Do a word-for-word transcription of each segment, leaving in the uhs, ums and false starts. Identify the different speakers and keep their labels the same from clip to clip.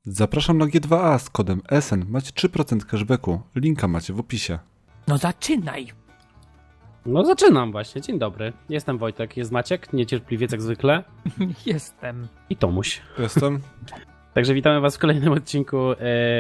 Speaker 1: Zapraszam na G dwa A z kodem S N. Macie trzy procent cashbacku. Linka macie w opisie.
Speaker 2: No zaczynaj!
Speaker 3: No zaczynam właśnie. Dzień dobry. Jestem Wojtek, jest Maciek, niecierpliwiec jak zwykle.
Speaker 2: Jestem.
Speaker 3: I Tomuś.
Speaker 1: Jestem.
Speaker 3: Także witamy was w kolejnym odcinku e,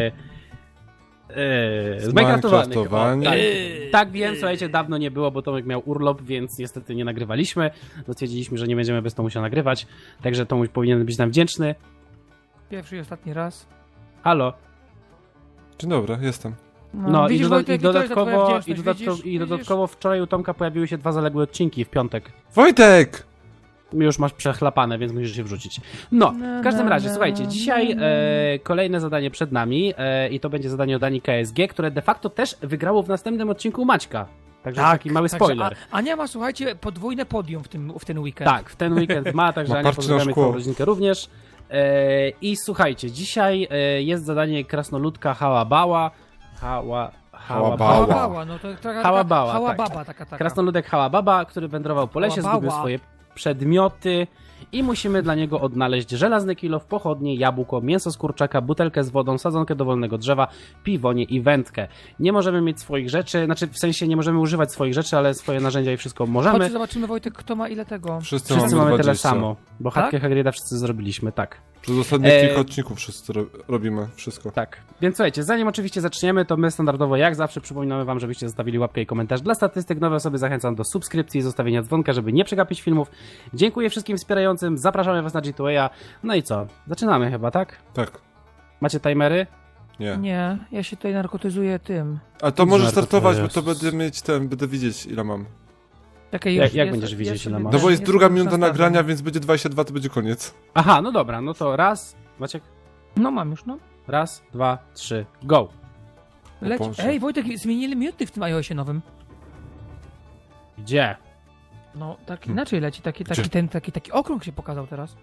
Speaker 3: e, z Minecraftowany.
Speaker 1: Minecraftowani.
Speaker 3: Tak, tak wiem, słuchajcie, dawno nie było, bo Tomek miał urlop, więc niestety nie nagrywaliśmy. Stwierdziliśmy, że nie będziemy bez Tomusia nagrywać, także Tomuś powinien być nam wdzięczny.
Speaker 2: Pierwszy i ostatni raz.
Speaker 3: Halo.
Speaker 1: Dzień dobry, jestem.
Speaker 3: No
Speaker 2: widzisz,
Speaker 3: i, doda
Speaker 2: Wojtek,
Speaker 3: i dodatkowo,
Speaker 2: to
Speaker 3: i,
Speaker 2: jest twoja
Speaker 3: dodatkowo,
Speaker 2: wdzięczność,
Speaker 3: i
Speaker 2: widzisz?
Speaker 3: dodatkowo wczoraj u Tomka pojawiły się dwa zaległe odcinki w piątek.
Speaker 1: Wojtek!
Speaker 3: Już masz przechlapane, więc musisz się wrzucić. No, w każdym razie, słuchajcie, dzisiaj e, kolejne zadanie przed nami e, i to będzie zadanie od Ani K S G, które de facto też wygrało w następnym odcinku Maćka. Także taki mały
Speaker 2: Także
Speaker 3: spoiler.
Speaker 2: A, Ania ma, słuchajcie, podwójne podium w, tym, w ten weekend.
Speaker 3: Tak, w ten weekend ma, także
Speaker 1: Ma
Speaker 3: Ania,
Speaker 1: parcie na
Speaker 3: pozdrawiamy
Speaker 1: szkło.
Speaker 3: twoją rodzinkę również. E, I słuchajcie, dzisiaj e, jest zadanie krasnoludka Hałabała. Hała...
Speaker 1: Hałabała.
Speaker 2: Hałabała, no to taka,
Speaker 3: Hałabała,
Speaker 2: hałababa,
Speaker 3: tak.
Speaker 2: taka, taka.
Speaker 3: Krasnoludek Hałababa, który wędrował po lesie,
Speaker 2: Hałabała.
Speaker 3: zgubił swoje przedmioty i musimy dla niego odnaleźć żelazny kilof, pochodnie, jabłko, mięso z kurczaka, butelkę z wodą, sadzonkę dowolnego drzewa, piwonie i wędkę. Nie możemy mieć swoich rzeczy, znaczy w sensie nie możemy używać swoich rzeczy, ale swoje narzędzia i wszystko możemy.
Speaker 2: Chodźcie, zobaczymy, Wojtek, kto ma ile tego.
Speaker 1: Wszyscy,
Speaker 3: Wszyscy
Speaker 1: mamy
Speaker 3: mamy tyle
Speaker 1: dwadzieścia.
Speaker 3: samo, bo
Speaker 2: Tak?
Speaker 3: chatkę Hagriда wszyscy zrobiliśmy, tak.
Speaker 1: Przez ostatnie
Speaker 3: E,
Speaker 1: kilka odcinków wszyscy ro robimy wszystko.
Speaker 3: Tak, więc słuchajcie, zanim oczywiście zaczniemy, to my standardowo jak zawsze przypominamy wam, żebyście zostawili łapkę i komentarz. Dla statystyk nowe osoby zachęcam do subskrypcji i zostawienia dzwonka, żeby nie przegapić filmów. Dziękuję wszystkim wspierającym, zapraszamy was na G dwa A. No i co? Zaczynamy chyba, tak?
Speaker 1: Tak.
Speaker 3: Macie timery?
Speaker 1: Nie.
Speaker 2: Nie, ja się tutaj narkotyzuję tym.
Speaker 1: A to może
Speaker 3: Żarty to
Speaker 1: startować, bo
Speaker 3: jest.
Speaker 1: to będę mieć ten, będę widzieć ile mam.
Speaker 2: Czekaj,
Speaker 3: Jak-
Speaker 2: już,
Speaker 3: jak
Speaker 2: ja
Speaker 3: będziesz
Speaker 2: sobie-
Speaker 3: widzieć,
Speaker 2: ja
Speaker 3: ile
Speaker 2: sobie
Speaker 3: masz?
Speaker 1: No bo
Speaker 2: ten-
Speaker 1: jest
Speaker 2: ja
Speaker 1: druga
Speaker 2: sobie
Speaker 1: minuta
Speaker 2: nastawiam.
Speaker 1: nagrania, więc będzie dwadzieścia dwa, to będzie koniec.
Speaker 3: Aha, no dobra, no to raz, Maciek,
Speaker 2: No mam już, no.
Speaker 3: raz, dwa, trzy, go.
Speaker 2: Leci.
Speaker 1: Boże.
Speaker 2: Ej, Wojtek, zmienili minuty w tym iOSie nowym.
Speaker 3: Gdzie?
Speaker 2: No, tak
Speaker 1: Hmm.
Speaker 2: inaczej leci, taki, taki,
Speaker 1: Gdzie?
Speaker 2: ten, taki, taki okrąg się pokazał teraz.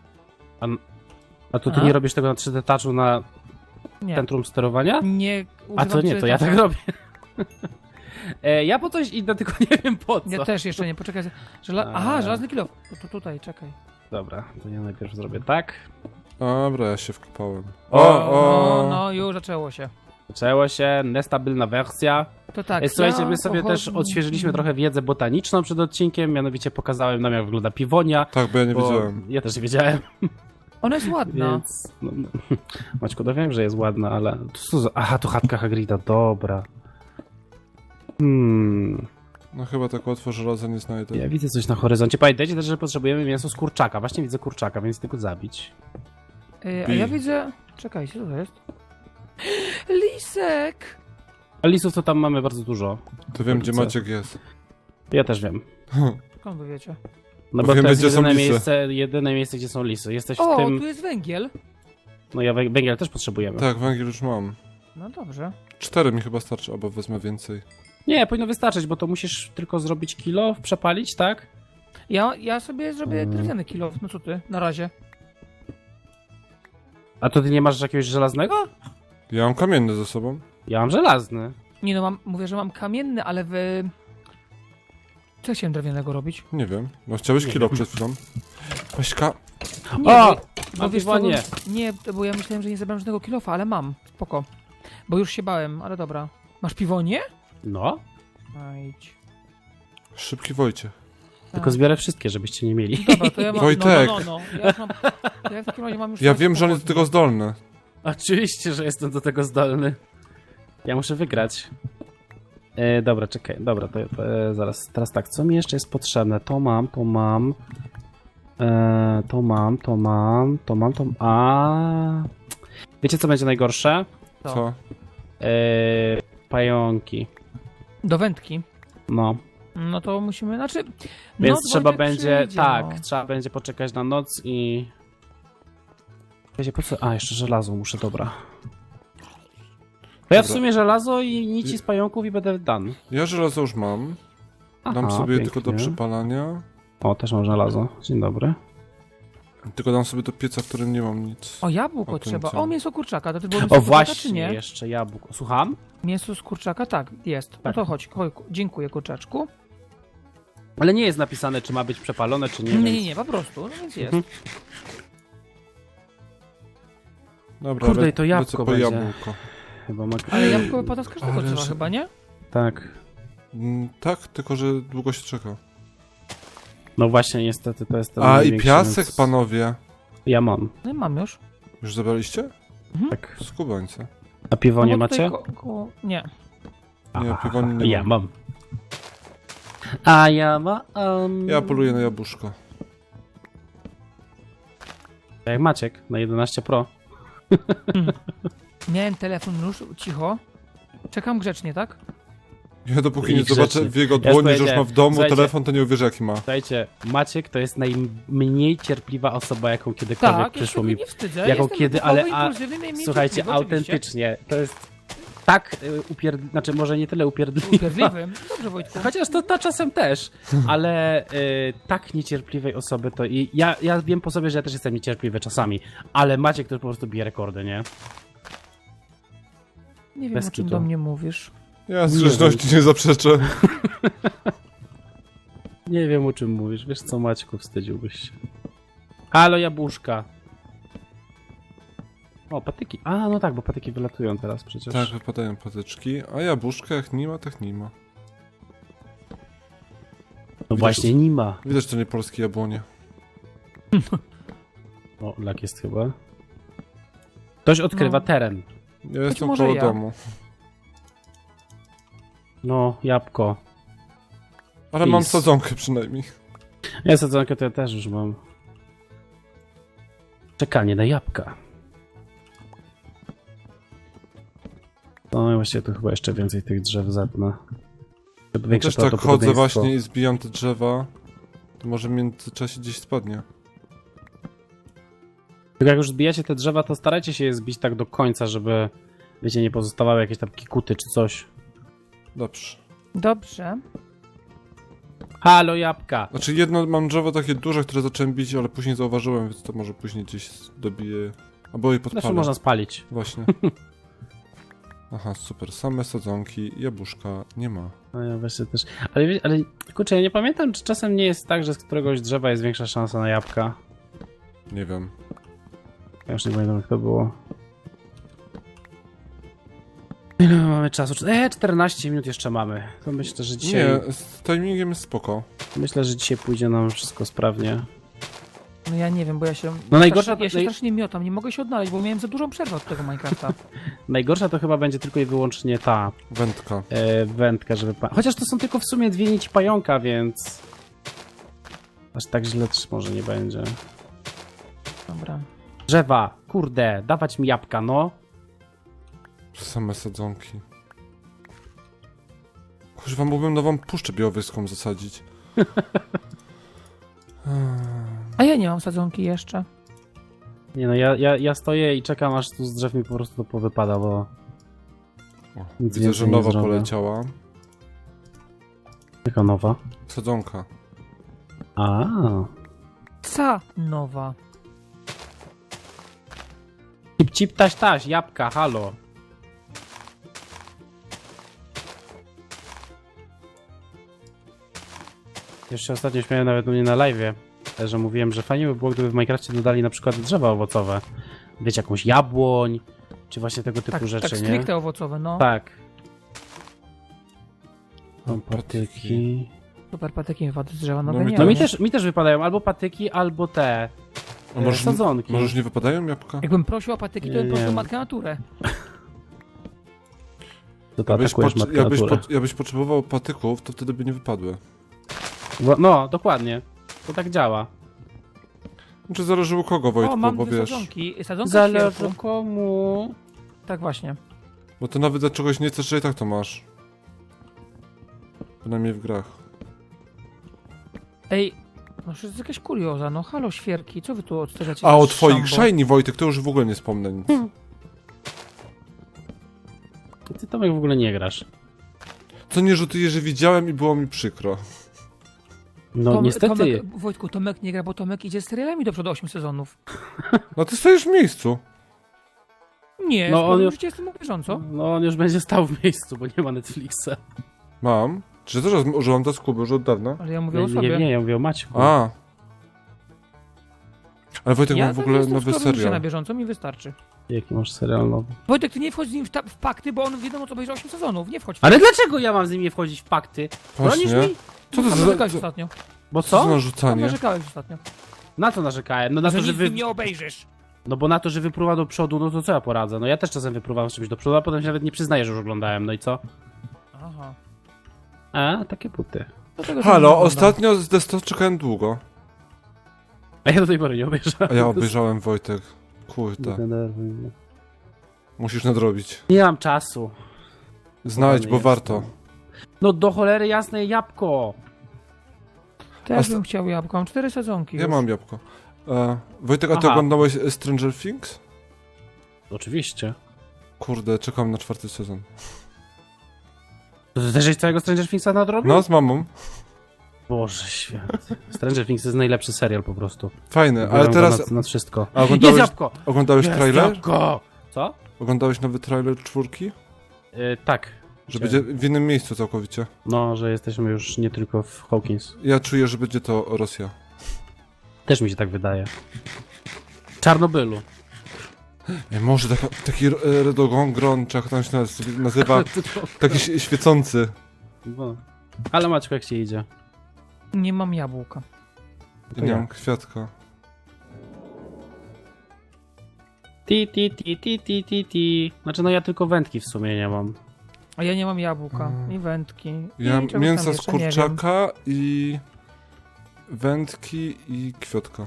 Speaker 3: A to ty
Speaker 2: A?
Speaker 3: nie robisz tego na trzy D Touchu na
Speaker 2: Nie,
Speaker 3: centrum sterowania?
Speaker 2: nie
Speaker 3: A to
Speaker 2: używam
Speaker 3: nie, to ja tak
Speaker 2: cytaty.
Speaker 3: robię. e, ja po coś idę, tylko nie wiem po co.
Speaker 2: Ja też jeszcze nie, poczekaj. Żela...
Speaker 3: A.
Speaker 2: Aha, żelazny kilo. To, to tutaj, czekaj.
Speaker 3: Dobra, to ja najpierw zrobię tak.
Speaker 1: Dobra, ja się wkopałem.
Speaker 3: O,
Speaker 1: O,
Speaker 2: No,
Speaker 1: o.
Speaker 2: no, już zaczęło się.
Speaker 3: Zaczęło się, niestabilna wersja.
Speaker 2: To tak.
Speaker 3: E, Słuchajcie,
Speaker 2: ja
Speaker 3: my sobie też
Speaker 2: pochodzę-
Speaker 3: odświeżyliśmy trochę wiedzę botaniczną przed odcinkiem, mianowicie pokazałem nam, jak wygląda piwonia.
Speaker 1: Tak, bo ja nie
Speaker 3: Bo
Speaker 1: wiedziałem.
Speaker 3: ja też nie wiedziałem,
Speaker 2: Ona jest ładna.
Speaker 3: więc... No, no. Maćku, no wiem, że jest ładna, ale... To co za... Aha, to chatka Hagrida, dobra. Hmm...
Speaker 1: No chyba tak łatwo żelaza nie znajdę.
Speaker 3: Ja widzę coś na horyzoncie. Pamiętajcie też, że potrzebujemy mięso z kurczaka. Właśnie widzę kurczaka, więc tylko zabić.
Speaker 2: Y, a
Speaker 1: Bij.
Speaker 2: ja widzę... Czekajcie, co to jest? Lisek!
Speaker 3: A lisów to tam mamy bardzo dużo.
Speaker 1: To wiem, gdzie
Speaker 3: Co?
Speaker 1: Maciek jest.
Speaker 3: Ja też wiem.
Speaker 2: Skąd wy wiecie?
Speaker 3: No
Speaker 1: Bo
Speaker 3: bo
Speaker 1: wiemy,
Speaker 3: to jest
Speaker 1: gdzie są
Speaker 3: jedyne
Speaker 1: lisy.
Speaker 3: miejsce, jedyne miejsce, gdzie są lisy. Jesteś
Speaker 2: O,
Speaker 3: w tym...
Speaker 2: tu jest węgiel.
Speaker 3: No ja wę- węgiel też potrzebujemy.
Speaker 1: Tak, węgiel już mam.
Speaker 2: No dobrze.
Speaker 1: Cztery mi chyba starczy, albo wezmę więcej.
Speaker 3: Nie, powinno wystarczyć, bo to musisz tylko zrobić kilo, przepalić, tak?
Speaker 2: Ja, ja sobie zrobię
Speaker 3: Mm.
Speaker 2: drewniany kilo. No co ty? Na razie.
Speaker 3: A to ty nie masz jakiegoś żelaznego?
Speaker 1: Ja mam kamienny ze sobą.
Speaker 3: Ja mam żelazny.
Speaker 2: Nie no, mam, mówię, że mam kamienny, ale wy... Co chciałem drewnianego robić?
Speaker 1: Nie wiem. No chciałeś kilo przed chwilą. Weźka.
Speaker 2: Nie,
Speaker 3: O!
Speaker 2: bo, bo
Speaker 3: Mam
Speaker 2: wiesz co, bo,
Speaker 3: piwonie.
Speaker 2: nie, bo ja myślałem, że nie zabrałem żadnego kilofa, ale mam. Spoko. Bo już się bałem, ale dobra. Masz piwonie?
Speaker 3: No,
Speaker 2: Ajdź.
Speaker 1: Szybki Wojciech.
Speaker 3: tylko zbiorę wszystkie, żebyście nie mieli.
Speaker 2: Dobra, to ja mam...
Speaker 1: Wojtek.
Speaker 2: No, no, no, no. Ja, już mam, to ja w takim razie mam już...
Speaker 1: Ja
Speaker 2: sześć
Speaker 1: wiem, że on jest do
Speaker 2: pochodni.
Speaker 1: tego zdolny.
Speaker 3: Oczywiście, że jestem do tego zdolny. Ja muszę wygrać. E, dobra, czekaj, dobra, to, to e, zaraz, teraz tak, co mi jeszcze jest potrzebne? To mam, to mam. E, to mam, to mam, to mam, to A. Wiecie, co będzie najgorsze?
Speaker 2: Co?
Speaker 1: Co?
Speaker 3: E, pająki.
Speaker 2: Do wędki.
Speaker 3: No,
Speaker 2: No to musimy, znaczy...
Speaker 3: więc
Speaker 2: noc
Speaker 3: trzeba
Speaker 2: Wojtek
Speaker 3: będzie,
Speaker 2: przyjdzie,
Speaker 3: tak,
Speaker 2: no.
Speaker 3: trzeba będzie poczekać na noc i... Wiecie, po co? A, jeszcze żelazo muszę, dobra. To ja w
Speaker 1: Dobra.
Speaker 3: sumie żelazo i nici z pająków i będę done.
Speaker 1: Ja żelazo już mam. Dam
Speaker 3: Aha,
Speaker 1: sobie
Speaker 3: pięknie.
Speaker 1: tylko do przypalania.
Speaker 3: O, też mam żelazo. Dzień dobry.
Speaker 1: Tylko dam sobie do pieca, w którym nie mam nic.
Speaker 2: O, jabłko
Speaker 1: O, to
Speaker 2: trzeba.
Speaker 1: co?
Speaker 2: O, mięso kurczaka. To ty było mięso
Speaker 3: O,
Speaker 2: kurczaka, czy
Speaker 3: właśnie,
Speaker 2: nie?
Speaker 3: jeszcze jabłko. Słucham?
Speaker 2: Mięso z kurczaka? Tak, jest. No
Speaker 3: Tak.
Speaker 2: to chodź, chodź. Dziękuję, kurczaczku.
Speaker 3: Ale nie jest napisane, czy ma być przepalone, czy nie.
Speaker 2: Nie,
Speaker 3: więc...
Speaker 2: nie, nie, po prostu. No więc jest.
Speaker 3: Mhm.
Speaker 1: Dobra,
Speaker 3: Kurde,
Speaker 1: le-
Speaker 3: i to jabłko
Speaker 1: lecę po
Speaker 3: będzie.
Speaker 1: jabłko.
Speaker 3: Chyba ma...
Speaker 2: Ale jabłko wypada z każdego
Speaker 1: Ale
Speaker 2: drzewa
Speaker 1: że-
Speaker 2: chyba, nie?
Speaker 3: Tak.
Speaker 1: Mm, tak, tylko że długo się czeka.
Speaker 3: No właśnie, niestety to jest ten
Speaker 1: A i
Speaker 3: największy,
Speaker 1: piasek,
Speaker 3: więc-
Speaker 1: panowie.
Speaker 3: Ja mam,
Speaker 2: No i mam już.
Speaker 1: Już zabraliście?
Speaker 3: tak.
Speaker 1: Skubańce.
Speaker 3: A piwo
Speaker 2: No
Speaker 3: nie
Speaker 2: bo tutaj
Speaker 3: macie?
Speaker 2: Ko ko nie.
Speaker 1: Nie,
Speaker 3: Aha,
Speaker 1: piwo nie
Speaker 3: ja
Speaker 1: mam.
Speaker 3: mam. A ja mam...
Speaker 1: Ja poluję na jabłuszko.
Speaker 3: Jak Maciek na jedenaście Pro.
Speaker 2: Miałem telefon już, cicho. Czekam grzecznie, tak?
Speaker 1: Ja dopóki
Speaker 3: I
Speaker 1: nie zobaczę
Speaker 3: grzecznie.
Speaker 1: w jego
Speaker 3: Ja
Speaker 1: dłoni, że już
Speaker 3: powiedziałem,
Speaker 1: ma w domu
Speaker 3: słuchajcie.
Speaker 1: telefon, to nie uwierzę jaki ma.
Speaker 3: Słuchajcie, Maciek to jest najmniej cierpliwa osoba, jaką kiedykolwiek
Speaker 2: Tak, ja się
Speaker 3: przyszło
Speaker 2: tego
Speaker 3: mi.
Speaker 2: nie wstydzę.
Speaker 3: Jaką
Speaker 2: Jestem
Speaker 3: kiedy,
Speaker 2: wybuchowy,
Speaker 3: ale- a-
Speaker 2: impulsywny i mniej
Speaker 3: Słuchajcie,
Speaker 2: cierpliwy, oczywiście.
Speaker 3: autentycznie, to jest tak y, upierd... znaczy może nie tyle upierdliwa,
Speaker 2: Upierdliwym. Dobrze, Wojtku.
Speaker 3: chociaż to, to czasem też, ale y, tak niecierpliwej osoby to i ja, ja wiem po sobie, że ja też jestem niecierpliwy czasami, ale Maciek to po prostu bije rekordy, nie?
Speaker 2: Nie wiem,
Speaker 3: bez
Speaker 2: o czym
Speaker 3: kitu.
Speaker 2: do mnie mówisz.
Speaker 1: Ja z grzeczności nie zaprzeczę.
Speaker 3: Nie wiem o czym mówisz, wiesz co Maćku, wstydziłbyś się. Halo jabłuszka. O, patyki. A, no tak, bo patyki wylatują teraz przecież.
Speaker 1: Tak, wypadają patyczki, a jabłuszka jak nie ma, tak nie ma.
Speaker 3: No właśnie, nie ma.
Speaker 1: Widać, że to nie polskie jabłonie.
Speaker 3: O, lak jest chyba. Ktoś odkrywa
Speaker 2: No.
Speaker 3: teren.
Speaker 1: Ja jestem
Speaker 2: może
Speaker 1: koło
Speaker 2: ja.
Speaker 1: domu.
Speaker 3: No, jabłko.
Speaker 1: Ale mam
Speaker 3: Pis.
Speaker 1: sadzonkę przynajmniej.
Speaker 3: Ja sadzonkę to ja też już mam. Czekanie na jabłka. No i właściwie tu chyba jeszcze więcej tych drzew zetnę. Żeby większe
Speaker 1: Też tak chodzę
Speaker 3: prawdopodobieństwo.
Speaker 1: właśnie i zbijam te drzewa. To może w międzyczasie gdzieś spadnie.
Speaker 3: Tylko jak już zbijacie te drzewa, to starajcie się je zbić tak do końca, żeby, wiecie, nie pozostawały jakieś tam kikuty czy coś.
Speaker 1: Dobrze.
Speaker 2: Dobrze.
Speaker 3: Halo, jabłka!
Speaker 1: Znaczy jedno mam drzewo takie duże, które zacząłem bić, ale później zauważyłem, więc to może później gdzieś dobiję. Albo je podpalę.
Speaker 3: Zresztą można spalić.
Speaker 1: Właśnie. Aha, super. Same sadzonki, jabłuszka nie ma.
Speaker 3: No ja właśnie też. Ale, wie- ale kurczę, ja nie pamiętam, czy czasem nie jest tak, że z któregoś drzewa jest większa szansa na jabłka.
Speaker 1: Nie wiem.
Speaker 3: Ja już nie pamiętam, jak to było. Ile mamy czasu? E, czternaście minut jeszcze mamy. To myślę, że dzisiaj.
Speaker 1: Nie, z timingiem jest spoko.
Speaker 3: Myślę, że dzisiaj pójdzie nam wszystko sprawnie.
Speaker 2: No ja nie wiem, bo ja się...
Speaker 3: No najgorsza
Speaker 2: strasznie, ja się
Speaker 3: naj-
Speaker 2: strasznie miotam, nie mogę się odnaleźć, bo miałem za dużą przerwę od tego Minecrafta.
Speaker 3: Najgorsza to chyba będzie tylko i wyłącznie ta
Speaker 1: Wędka.
Speaker 3: e, wędka, żeby. Pa... Chociaż to są tylko w sumie dwie nici pająka, więc. Aż tak źle też może nie będzie.
Speaker 2: Dobra.
Speaker 3: Drzewa, kurde, dawać mi jabłka, no.
Speaker 1: Same sadzonki. Kurwa, mógłbym nową puszczę białowyską zasadzić.
Speaker 2: A ja nie mam sadzonki jeszcze.
Speaker 3: Nie no, ja, ja, ja stoję i czekam, aż tu z drzew mi po prostu to powypada, bo.
Speaker 1: O,
Speaker 3: Nic
Speaker 1: widzę,
Speaker 3: więcej
Speaker 1: że
Speaker 3: nie
Speaker 1: nowa
Speaker 3: zrobię.
Speaker 1: poleciała.
Speaker 3: Jaka nowa?
Speaker 1: Sadzonka.
Speaker 3: A,
Speaker 2: Ca nowa.
Speaker 3: cip cip taś taś, jabłka, halo. Jeszcze ostatnio śmiałem nawet u mnie na live'ie, że mówiłem, że fajnie by było, gdyby w Minecrafcie dodali na przykład drzewa owocowe. Wiecie, jakąś jabłoń, czy właśnie tego typu
Speaker 2: Tak,
Speaker 3: rzeczy,
Speaker 2: tak
Speaker 3: nie?
Speaker 2: stricte owocowe, no.
Speaker 3: Tak.
Speaker 1: No,
Speaker 3: Są patyki.
Speaker 2: Super patyki mi wypadły z drzewa,
Speaker 1: No
Speaker 2: nowe
Speaker 1: mi
Speaker 2: nie.
Speaker 3: No mi
Speaker 1: Tak.
Speaker 3: też, mi też wypadają albo patyki, albo te
Speaker 1: A
Speaker 3: e,
Speaker 1: może,
Speaker 3: sadzonki.
Speaker 1: może już nie wypadają jabłka?
Speaker 2: Jakbym prosił o patyki, to
Speaker 3: Nie,
Speaker 2: bym prosił
Speaker 3: nie.
Speaker 2: matkę naturę.
Speaker 3: To ty
Speaker 1: Jakbyś,
Speaker 3: atakujesz
Speaker 1: pot-
Speaker 3: matkę
Speaker 1: jakbyś,
Speaker 3: naturę.
Speaker 1: pot- jakbyś potrzebował patyków, to wtedy by nie wypadły.
Speaker 3: Bo- No, dokładnie. To tak działa.
Speaker 1: Znaczy zależy u kogo, Wojtku,
Speaker 2: O, mam
Speaker 1: bo
Speaker 2: dwie
Speaker 1: wiesz.
Speaker 2: sadzonki. Sadzonka
Speaker 3: Zależy
Speaker 2: świerku.
Speaker 3: komu.
Speaker 2: Tak właśnie.
Speaker 1: Bo to nawet dla czegoś nie chcesz, że i tak to masz. Przynajmniej w grach.
Speaker 2: Ej, no to jest jakaś kurioza, no halo świerki, co wy tu odstawiacie?
Speaker 1: A
Speaker 2: za
Speaker 1: o twoich
Speaker 2: szambo?
Speaker 1: shiny, Wojtek, to już w ogóle nie wspomnę nic.
Speaker 3: Ty Tomek w ogóle nie grasz.
Speaker 1: Co nie rzutuję, że widziałem i było mi przykro.
Speaker 3: No
Speaker 2: Tom,
Speaker 3: niestety.
Speaker 2: Tomek, Wojtku, Tomek nie gra, bo Tomek idzie z serialami do przodu osiem sezonów.
Speaker 1: No ty stoisz w miejscu.
Speaker 2: Nie,
Speaker 3: No,
Speaker 2: no,
Speaker 3: on
Speaker 2: on
Speaker 3: już-
Speaker 2: już jestem na bieżąco.
Speaker 3: No on już będzie stał w miejscu, bo nie ma Netflixa.
Speaker 1: Mam. Czy też użyłam do skuby już od dawna?
Speaker 2: Ale ja mówię
Speaker 3: Nie,
Speaker 2: o
Speaker 3: nie,
Speaker 2: sobie.
Speaker 3: nie, ja mówię o Maćku.
Speaker 1: A. Ale Wojtek
Speaker 2: Ja
Speaker 1: ma w
Speaker 2: tam
Speaker 1: ogóle
Speaker 2: jestem
Speaker 1: nowy
Speaker 2: w się na
Speaker 1: serial.
Speaker 2: bieżąco, mi wystarczy.
Speaker 3: Jaki masz serial nowy?
Speaker 2: Wojtek, ty nie wchodź z nim w, ta- w pakty, bo on wiadomo co obejrzał osiem sezonów, nie wchodź w
Speaker 3: Ale dlaczego ja mam z nim nie wchodzić w pakty? Bronisz
Speaker 1: Właśnie.
Speaker 3: mi?
Speaker 1: Co to
Speaker 2: Tam
Speaker 1: za...
Speaker 2: narzekałeś
Speaker 1: za-
Speaker 2: ostatnio.
Speaker 3: Bo
Speaker 1: Co to za
Speaker 3: co?
Speaker 2: Tam
Speaker 1: narzucanie?
Speaker 2: narzekałeś ostatnio.
Speaker 3: Na co narzekałem? No na
Speaker 2: że
Speaker 3: to, że
Speaker 2: nic z
Speaker 3: wy...
Speaker 2: nim nie obejrzysz.
Speaker 3: No bo na to, że wypruwa do przodu, no to co ja poradzę? No ja też czasem wypruwam z czymś do przodu, a potem się nawet nie przyznaję, że już oglądałem, no i co?
Speaker 2: Aha.
Speaker 3: A, takie buty.
Speaker 2: Dlatego, że nie
Speaker 1: Halo,
Speaker 2: oglądam.
Speaker 1: ostatnio z Desto czekałem długo.
Speaker 3: A ja do tej pory nie obejrzałem.
Speaker 1: A ja obejrzałem Wojtek. Kurde.
Speaker 3: Denerwuj mnie.
Speaker 1: Musisz nadrobić.
Speaker 3: Nie mam czasu.
Speaker 1: Znajdź, bo
Speaker 3: Jest.
Speaker 1: warto.
Speaker 3: No do cholery jasne jabłko.
Speaker 2: Też
Speaker 1: A
Speaker 2: bym chciał jabłko, mam cztery sezonki
Speaker 1: Ja
Speaker 2: już.
Speaker 1: mam jabłko. E, Wojtek, a ty
Speaker 3: Aha.
Speaker 1: oglądałeś Stranger Things?
Speaker 3: Oczywiście.
Speaker 1: Kurde, czekam na czwarty sezon.
Speaker 3: To ty też całego Stranger Things'a nadrobił?
Speaker 1: No, z mamą.
Speaker 3: Boże święty. Stranger Things to jest najlepszy serial po prostu.
Speaker 1: Fajny, ale
Speaker 3: Biorę go
Speaker 1: teraz
Speaker 3: Nad, nad wszystko.
Speaker 1: A
Speaker 3: Jest
Speaker 1: oglądałeś,
Speaker 3: jabłko!
Speaker 1: oglądałeś
Speaker 3: Jest
Speaker 1: trailer?
Speaker 3: jabłko! Co?
Speaker 1: Oglądałeś nowy trailer czwórki?
Speaker 3: Yy, tak.
Speaker 1: Że
Speaker 3: Chciałem.
Speaker 1: będzie w innym miejscu całkowicie.
Speaker 3: No, że jesteśmy już nie tylko w Hawkins.
Speaker 1: Ja czuję, że będzie to Rosja.
Speaker 3: Też mi się tak wydaje. Czarnobylu.
Speaker 1: Ej, może taka, taki e, redogongron, czy jak tam się naz- nazywa, taki ś- świecący.
Speaker 3: No. Ale Maćku, jak ci idzie?
Speaker 2: Nie mam jabłka.
Speaker 1: Nie
Speaker 3: ja.
Speaker 1: mam kwiatka.
Speaker 3: Ti, ti, ti, ti, ti, ti, ti. Znaczy, no ja tylko wędki w sumie nie mam.
Speaker 2: A ja nie mam jabłka,
Speaker 1: Mm.
Speaker 2: i wędki.
Speaker 1: Ja mam
Speaker 2: i czegoś tam
Speaker 1: mięso z
Speaker 2: jeszcze, nie wiem.
Speaker 1: kurczaka i wędki i kwiatka.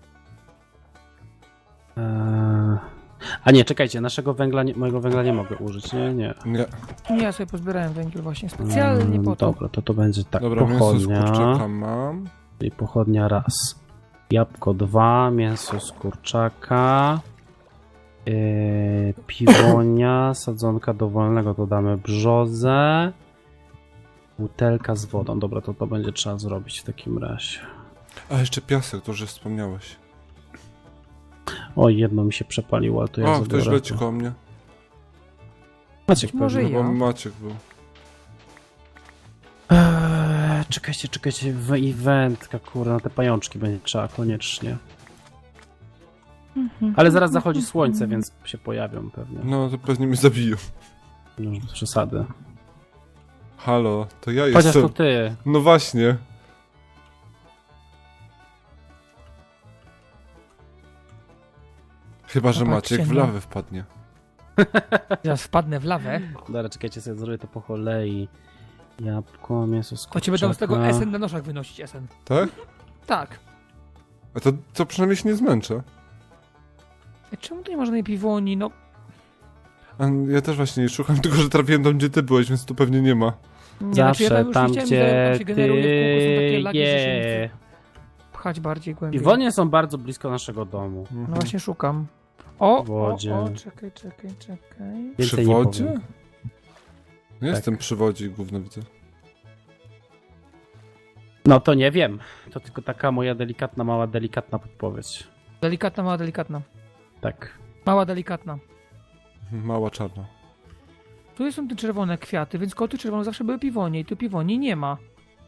Speaker 3: Eee... A nie, czekajcie, naszego węgla, nie, mojego węgla nie mogę użyć, nie, nie.
Speaker 1: Nie.
Speaker 2: Nie, ja sobie pozbierałem węgiel właśnie specjalnie
Speaker 3: Mm,
Speaker 2: po to.
Speaker 3: Dobra, to to będzie tak,
Speaker 1: Dobra, mięso z
Speaker 3: pochodnia,
Speaker 1: kurczaka mam.
Speaker 3: czyli pochodnia raz, jabłko dwa, mięso z kurczaka, yy, piwonia, sadzonka dowolnego, to damy brzozę, butelka z wodą, dobra, to to będzie trzeba zrobić w takim razie.
Speaker 1: A jeszcze piasek, to że wspomniałeś.
Speaker 3: Oj, jedno mi się przepaliło, ale to ja
Speaker 1: O,
Speaker 3: zabiorę.
Speaker 1: ktoś leci koło mnie.
Speaker 3: Maciek
Speaker 2: Może
Speaker 3: pewnie.
Speaker 2: ja.
Speaker 1: No bo Maciek był.
Speaker 3: Eee, czekajcie, czekajcie, w eventka, kurde, na te pajączki będzie trzeba koniecznie. Ale zaraz zachodzi słońce, więc się pojawią pewnie.
Speaker 1: No to pewnie mnie zabiją.
Speaker 3: No, bez przesady.
Speaker 1: Halo, to ja
Speaker 3: Chociaż
Speaker 1: jestem.
Speaker 3: to ty.
Speaker 1: No właśnie. Chyba, że
Speaker 2: Popatrzcie,
Speaker 1: Maciek w
Speaker 2: no.
Speaker 1: lawę wpadnie.
Speaker 2: Teraz wpadnę w lawę,
Speaker 3: Dobra, czekajcie, sobie zrobię to po kolei. Jabłko, mięso z
Speaker 2: to ci będą z tego
Speaker 3: kurczaka.
Speaker 2: S N na noszach wynosić S N.
Speaker 1: Tak?
Speaker 2: Tak.
Speaker 1: A to, to przynajmniej się nie zmęczę.
Speaker 2: Ej, czemu tu nie ma żadnej piwoni? No,
Speaker 1: A ja też właśnie szukam, tylko że trafiłem tam, gdzie ty byłeś, więc tu pewnie nie ma.
Speaker 2: nie, znaczy ja
Speaker 3: Zawsze
Speaker 2: już
Speaker 3: tam,
Speaker 2: widziałem, że tam
Speaker 3: gdzie
Speaker 2: się generuje w kółko, są takie
Speaker 3: ty
Speaker 2: lagi, że się nie
Speaker 3: je.
Speaker 2: chce pchać bardziej głębiej.
Speaker 3: Piwonie są bardzo blisko naszego domu.
Speaker 1: Mhm.
Speaker 2: No właśnie szukam. O,
Speaker 3: W wodzie.
Speaker 2: o, o, czekaj, czekaj, czekaj.
Speaker 1: Przy
Speaker 3: Więcej nie
Speaker 1: wodzie?
Speaker 3: powiem.
Speaker 1: No jestem przy wodzie i gówno widzę.
Speaker 3: No to nie wiem. To tylko taka moja delikatna, mała, delikatna podpowiedź.
Speaker 2: Delikatna, mała, delikatna.
Speaker 3: Tak.
Speaker 2: Mała, delikatna.
Speaker 1: Mała czarna.
Speaker 2: Tu są te czerwone kwiaty, więc koło tych czerwonych zawsze były piwonie i tu piwoni nie ma.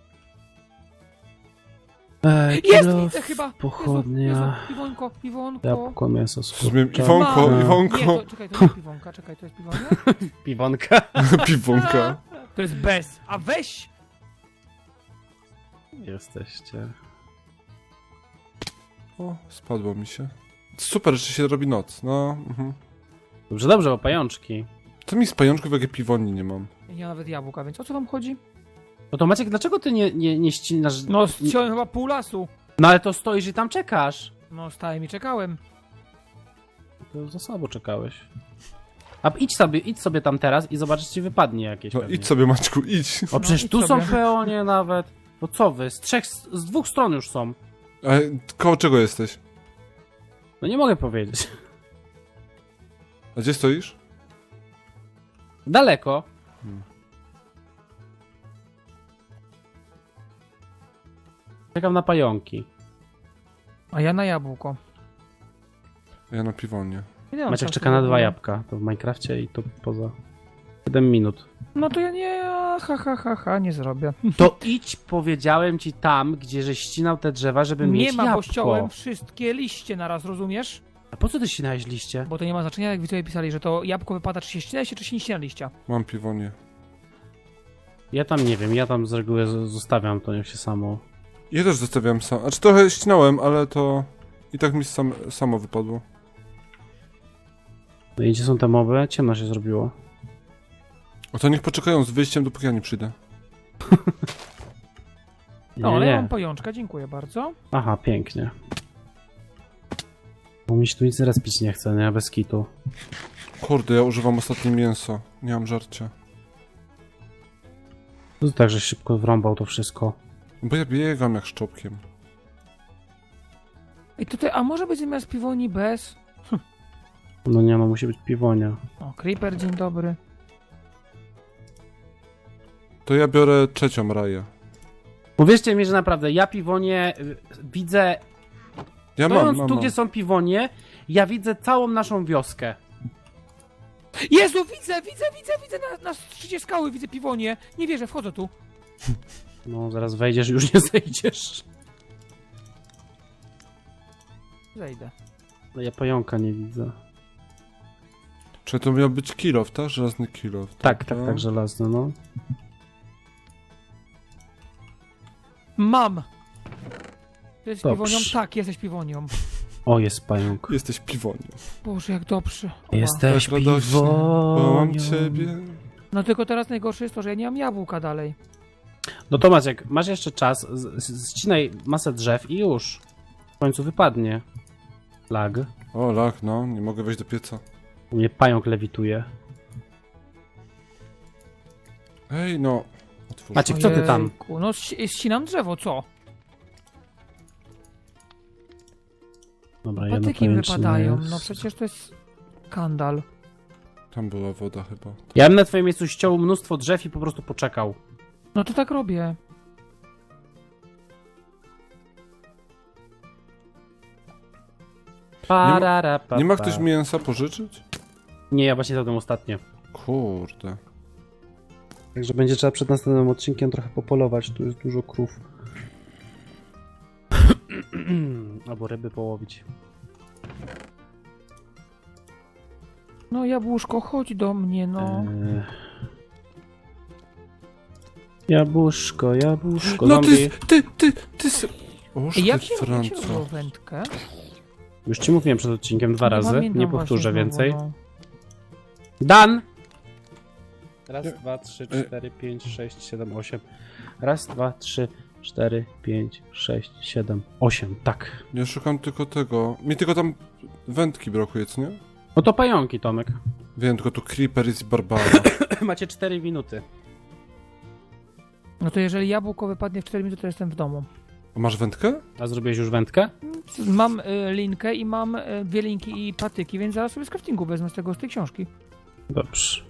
Speaker 3: Ej,
Speaker 2: Jest!
Speaker 3: kilo,
Speaker 2: Widzę chyba!
Speaker 3: pochodnia.
Speaker 2: Jezu, Jezu, piwonko, piwonko.
Speaker 3: Jabłko, mięso z
Speaker 1: Rozumiem,
Speaker 3: kurczaka.
Speaker 1: Iwonko,
Speaker 2: Ma.
Speaker 1: Iwonko.
Speaker 2: Nie, to, czekaj, to nie piwonka, czekaj, to jest piwonia?
Speaker 3: Piwonka.
Speaker 1: Piwonka.
Speaker 2: To jest bez, a weź!
Speaker 3: Jesteście.
Speaker 1: O, spadło mi się. Super, że się robi noc. No, mhm.
Speaker 3: Dobrze, dobrze, bo pajączki.
Speaker 1: To mi z pajączków jakie piwoni nie mam.
Speaker 2: Nie ma nawet jabłka, więc o co wam chodzi?
Speaker 3: No to Maciek, dlaczego ty nie, nie, nie ścinasz?
Speaker 2: No, ściąłem chyba pół lasu.
Speaker 3: No ale to stoisz i tam czekasz.
Speaker 2: No, stałem i czekałem.
Speaker 3: To za słabo czekałeś. A idź sobie, idź sobie tam teraz i zobacz, czy ci wypadnie jakieś.
Speaker 1: No
Speaker 3: pewnie.
Speaker 1: idź sobie, Maćku, idź.
Speaker 3: O, przecież
Speaker 2: idź
Speaker 3: tu są
Speaker 2: sobie.
Speaker 3: peonie nawet. No co wy? Z trzech, z dwóch stron już są.
Speaker 1: A koło czego jesteś?
Speaker 3: No nie mogę powiedzieć.
Speaker 1: A gdzie stoisz?
Speaker 3: Daleko.
Speaker 1: Hmm.
Speaker 3: Czekam na pająki.
Speaker 2: A ja na jabłko.
Speaker 1: Ja na piwonie.
Speaker 2: Ile mam
Speaker 3: Maciek
Speaker 2: czasu
Speaker 3: czeka na
Speaker 2: w
Speaker 3: dwa
Speaker 2: ogóle?
Speaker 3: jabłka. To w Minecrafcie i to poza. siedem minut.
Speaker 2: No to ja nie, ha, ha, ha, ha, nie zrobię.
Speaker 3: To idź, powiedziałem ci tam, gdzie żeś ścinał te drzewa, żeby
Speaker 2: Nie
Speaker 3: mieć
Speaker 2: ma, bo
Speaker 3: jabłko.
Speaker 2: ściąłem wszystkie liście naraz, rozumiesz?
Speaker 3: A po co ty ścinałeś liście?
Speaker 2: Bo to nie ma znaczenia, jak widzowie pisali, że to jabłko wypada, czy się ścina się, czy się nie ścina liścia.
Speaker 1: Mam piwonie.
Speaker 3: Ja tam nie wiem, ja tam z reguły z- zostawiam to niech się samo.
Speaker 1: Ja też zostawiałem sam. Znaczy trochę ścinałem, ale to i tak mi sam, samo wypadło.
Speaker 3: No i gdzie są te moby? Ciemno się zrobiło.
Speaker 1: O to niech poczekają z wyjściem, dopóki ja nie przyjdę.
Speaker 2: No,
Speaker 3: Nie,
Speaker 2: ale ja
Speaker 3: nie.
Speaker 2: mam pajączka, dziękuję bardzo.
Speaker 3: Aha, pięknie. Bo mi się tu nic respić nie chce, nie? Bez kitu.
Speaker 1: Kurde, ja używam ostatnie mięso. Nie mam żarcia.
Speaker 3: To tak, że szybko wrąbał to wszystko.
Speaker 1: Bo ja biegam jak szczopkiem.
Speaker 2: I tutaj, a może być zamiast piwoni bez?
Speaker 3: No nie, no musi być piwonia.
Speaker 2: O, Creeper, dzień dobry.
Speaker 1: To ja biorę trzecią raję.
Speaker 3: Uwierzcie mi, że naprawdę, ja piwonie y, widzę...
Speaker 1: Ja mam,
Speaker 3: Stojąc
Speaker 1: mam,
Speaker 3: tu,
Speaker 1: mam.
Speaker 3: gdzie są piwonie, ja widzę całą naszą wioskę.
Speaker 2: Jezu, widzę, widzę, widzę, widzę na, na szczycie skały, widzę piwonie. Nie wierzę, wchodzę tu.
Speaker 3: No, zaraz wejdziesz i już nie zejdziesz.
Speaker 2: Zejdę.
Speaker 3: No ja pająka nie widzę.
Speaker 1: Czy to miał być kilof, tak? Żelazny kilof.
Speaker 3: Tak, tak, tak, żelazny, no.
Speaker 2: Mam! Ty jesteś
Speaker 3: Dobrze.
Speaker 2: piwonią? Tak, jesteś piwonią.
Speaker 3: O, jest pająk.
Speaker 1: Jesteś piwonią.
Speaker 2: Boże, jak dobrze. Oła.
Speaker 3: Jesteś
Speaker 1: Tak radośnie, bo mam
Speaker 3: piwonią.
Speaker 1: ciebie.
Speaker 2: No tylko teraz najgorsze jest to, że ja nie mam jabłka dalej.
Speaker 3: No to Maciek, masz jeszcze czas, z- z- ścinaj masę drzew i już. W końcu wypadnie. Lag.
Speaker 1: O, lach, no. Nie mogę wejść do pieca.
Speaker 3: U mnie pająk lewituje.
Speaker 1: Ej, no. Otwórz.
Speaker 3: Maciek, co ty tam?
Speaker 2: Ojejku, no ści- ścinam drzewo, co?
Speaker 3: Dobra, jedno
Speaker 2: Patyki mi
Speaker 3: pajęczyny
Speaker 2: wypadają,
Speaker 3: jest.
Speaker 2: no przecież to jest skandal.
Speaker 1: Tam była woda chyba.
Speaker 3: Ja bym na twoim miejscu ściął mnóstwo drzew i po prostu poczekał.
Speaker 2: No to tak robię.
Speaker 3: Parara, pa,
Speaker 1: Nie ma
Speaker 3: pa.
Speaker 1: ktoś mięsa pożyczyć?
Speaker 3: Nie, ja właśnie zadam ostatnie.
Speaker 1: Kurde.
Speaker 3: Także będzie trzeba przed następnym odcinkiem trochę popolować, tu jest dużo krów. Albo ryby połowić.
Speaker 2: No jabłuszko, chodź do mnie, no.
Speaker 3: Eee... Jabłuszko, jabłuszko,
Speaker 1: No
Speaker 3: zombie.
Speaker 1: ty, ty, ty, ty... s- Oż
Speaker 2: Ej,
Speaker 1: ty,
Speaker 2: jak się, jak się
Speaker 1: Franco.
Speaker 2: robiło wędkę?
Speaker 3: Już ci mówiłem przed odcinkiem dwa razy,
Speaker 2: pamiętam
Speaker 3: nie powtórzę
Speaker 2: właśnie
Speaker 3: więcej.
Speaker 2: znowu, no.
Speaker 3: Dan! Raz,
Speaker 1: Nie.
Speaker 3: dwa, trzy,
Speaker 1: E.
Speaker 3: cztery, pięć, sześć, siedem, osiem. Raz, dwa, trzy, cztery, pięć, sześć, siedem, osiem, tak.
Speaker 1: Ja szukam tylko tego. Mi tylko tam wędki brakuje, co nie?
Speaker 3: No to pająki, Tomek.
Speaker 1: Wiem, tylko tu Creeper jest i Barbara.
Speaker 3: Macie cztery minuty.
Speaker 2: No to jeżeli jabłko wypadnie w cztery minuty, to jestem w domu.
Speaker 1: A masz wędkę?
Speaker 3: A zrobiłeś już wędkę?
Speaker 2: Mam y, linkę i mam y, dwie linki i patyki, więc zaraz sobie z craftingu wezmę z tego, z tej książki.
Speaker 3: Dobrze.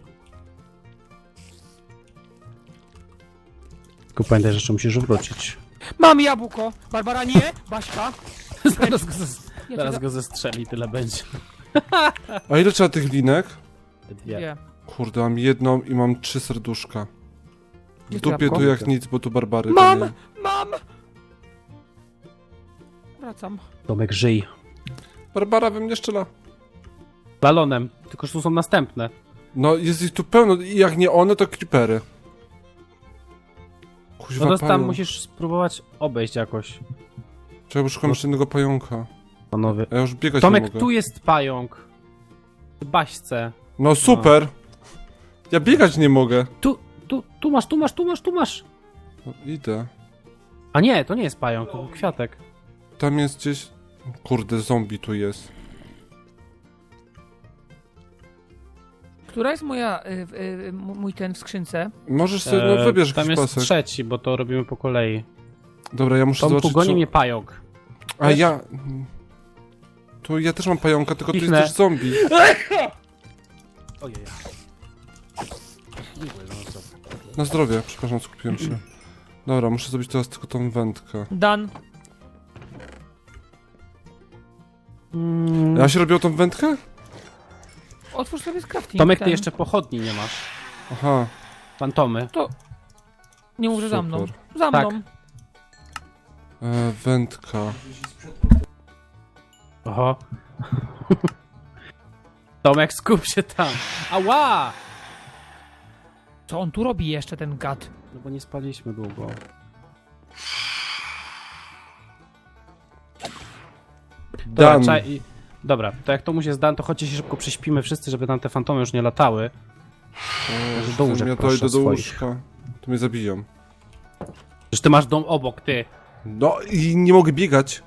Speaker 3: Tylko pamiętaj, że jeszcze musisz wrócić.
Speaker 2: Mam jabłko! Barbara, nie! Baśka!
Speaker 3: Zaraz go, zes-
Speaker 2: Ja cię
Speaker 3: zaraz
Speaker 2: za-
Speaker 3: go zestrzeli, tyle będzie.
Speaker 1: A ile trzeba tych linek?
Speaker 3: Dwie.
Speaker 2: Dwie.
Speaker 1: Kurde, mam jedną i mam trzy serduszka. W
Speaker 2: Gdzie to
Speaker 1: dupie
Speaker 2: jabłko?
Speaker 1: tu jak nic, bo tu Barbary.
Speaker 2: Mam!
Speaker 1: to nie.
Speaker 2: Mam! Wracam.
Speaker 3: Tomek, żyj.
Speaker 1: Barbara we mnie strzela.
Speaker 3: Balonem. Tylko, że tu są następne.
Speaker 1: No jest ich tu pełno i jak nie one, to Creepery. Kuźwa,
Speaker 3: No to tam
Speaker 1: pająk.
Speaker 3: musisz spróbować obejść jakoś.
Speaker 1: Czekaj, bo szukam jeszcze jednego pająka.
Speaker 3: Panowie.
Speaker 1: A ja już biegać nie
Speaker 3: Tomek,
Speaker 1: mogę.
Speaker 3: tu jest pająk. W baśce.
Speaker 1: No super! Ja biegać nie mogę.
Speaker 3: Tu, tu, tu masz, tu masz, tu masz, tu masz.
Speaker 1: No, idę.
Speaker 3: A nie, to nie jest pająk, to był kwiatek.
Speaker 1: Tam jest gdzieś... Kurde, zombie tu jest.
Speaker 2: Która jest moja, y, y, y, mój ten w skrzynce?
Speaker 1: Możesz sobie, no wybierz
Speaker 3: E, Tam
Speaker 1: jakiś
Speaker 3: jest
Speaker 1: pasek.
Speaker 3: trzeci, bo to robimy po kolei.
Speaker 1: Dobra, ja muszę
Speaker 3: Tomku,
Speaker 1: zobaczyć
Speaker 3: goni
Speaker 1: co...
Speaker 3: mnie pająk.
Speaker 1: A
Speaker 3: Wiesz?
Speaker 1: ja... Tu ja też mam pająka, tylko tu jest
Speaker 3: Pichnę.
Speaker 1: też zombie.
Speaker 3: Ojej. Dziękuję za to.
Speaker 1: Na zdrowie, przepraszam, skupiłem się. Dobra, muszę zrobić teraz tylko tą wędkę.
Speaker 2: Dan.
Speaker 1: Ja się robił tą wędkę?
Speaker 2: Otwórz sobie z crafting.
Speaker 3: Tomek,
Speaker 2: ten.
Speaker 3: ty jeszcze pochodni nie masz.
Speaker 1: Aha,
Speaker 3: Fantomy.
Speaker 2: Nie mów, że za mną.
Speaker 1: super.
Speaker 2: Za
Speaker 3: Tak.
Speaker 2: mną.
Speaker 1: E, wędka.
Speaker 3: Oho. Tomek, skup się tam. Ała!
Speaker 2: Co on tu robi jeszcze, ten gad?
Speaker 3: No bo nie spaliśmy długo. Dobra,
Speaker 1: Dan.
Speaker 3: czaj, i... Dobra, to jak to mu się zdan, to chodźcie się szybko prześpimy wszyscy, żeby tam te fantomy już nie latały.
Speaker 1: O,
Speaker 3: do łóżek
Speaker 1: ja to
Speaker 3: proszę
Speaker 1: idę do
Speaker 3: swoich.
Speaker 1: łóżka. To mnie zabiją.
Speaker 3: Przecież ty masz dom obok, ty.
Speaker 1: No i nie mogę biegać.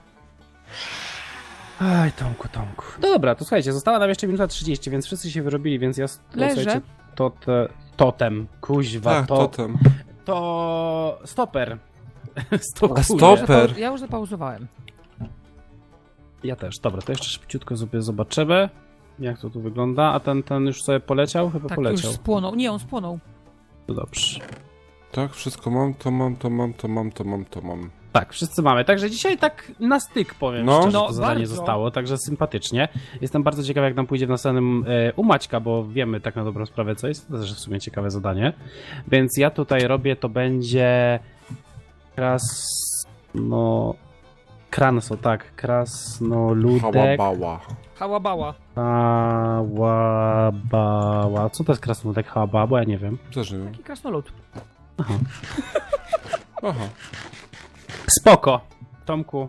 Speaker 3: Aj, Tomku, Tomku. No dobra, to słuchajcie, została nam jeszcze minuta trzydzieści, więc wszyscy się wyrobili, więc ja... s-
Speaker 2: Leżę.
Speaker 3: Słuchajcie, to te... Totem, kuźwa,
Speaker 1: Tak,
Speaker 3: to...
Speaker 1: totem.
Speaker 3: To... Stoper. Stop,
Speaker 1: A
Speaker 3: kurde.
Speaker 1: stoper.
Speaker 2: Ja już zapauzowałem.
Speaker 3: Ja też, dobra, to jeszcze szybciutko sobie zobaczymy, jak to tu wygląda, a ten, ten już sobie poleciał? Chyba
Speaker 2: Tak,
Speaker 3: poleciał.
Speaker 2: już spłonął. Nie, on spłonął.
Speaker 3: To dobrze.
Speaker 1: Tak, wszystko mam, to mam, to mam, to mam, to mam, to mam.
Speaker 3: Tak, wszyscy mamy, także dzisiaj tak na styk powiem
Speaker 1: No.
Speaker 3: szczerze,
Speaker 2: No,
Speaker 3: to zadanie
Speaker 2: bardzo.
Speaker 3: zostało, także sympatycznie. Jestem bardzo ciekaw, jak nam pójdzie w następnym e, u Maćka, bo wiemy tak na dobrą sprawę, co jest, to też w sumie ciekawe zadanie. Więc ja tutaj robię, to będzie kras... no... Kranso, tak, krasnoludek,
Speaker 1: Hałabała.
Speaker 2: Hałabała.
Speaker 3: hałabała, co to jest krasnoludek, hałabała, ja nie wiem.
Speaker 1: Też nie wiem.
Speaker 2: Taki krasnolud.
Speaker 1: Aha.
Speaker 3: Spoko, Tomku.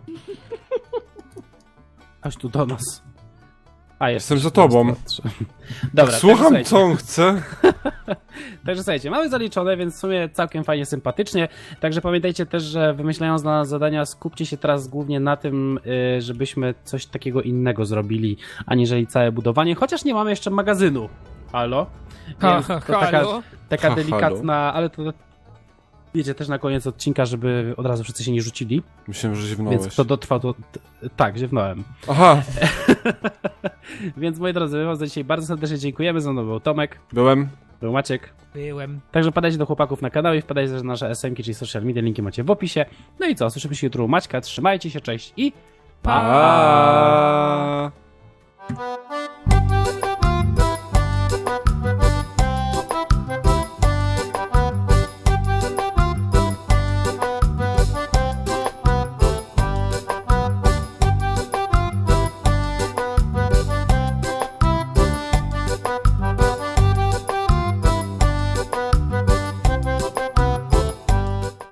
Speaker 3: Chodź tu do nas. A, jest.
Speaker 1: Jestem za tobą.
Speaker 3: Dobra,
Speaker 1: Słucham,
Speaker 3: także,
Speaker 1: co on chce.
Speaker 3: Także słuchajcie, mamy zaliczone, więc w sumie całkiem fajnie, sympatycznie. Także pamiętajcie też, że wymyślając dla nas zadania, skupcie się teraz głównie na tym, y, żebyśmy coś takiego innego zrobili, aniżeli całe budowanie, chociaż nie mamy jeszcze magazynu. Halo?
Speaker 2: Ha,
Speaker 3: Więc
Speaker 2: ha,
Speaker 3: to taka,
Speaker 2: halo?
Speaker 3: taka
Speaker 1: Ha,
Speaker 3: delikatna, ale to wiecie też na koniec odcinka, żeby od razu wszyscy się nie rzucili,
Speaker 1: Myślałem, że ziewnąłeś.
Speaker 3: więc kto dotrwał, to... t- tak, ziewnąłem.
Speaker 1: Aha,
Speaker 3: Więc moi drodzy, my wam za dzisiaj bardzo serdecznie dziękujemy. Ze mną był Tomek,
Speaker 1: byłem.
Speaker 3: był Maciek.
Speaker 2: Byłem.
Speaker 3: Także wpadajcie do chłopaków na kanał i wpadajcie też na nasze es em ki, czyli social media, linki macie w opisie. No i co, słyszymy się jutro u Maćka, trzymajcie się, cześć i
Speaker 1: Pa.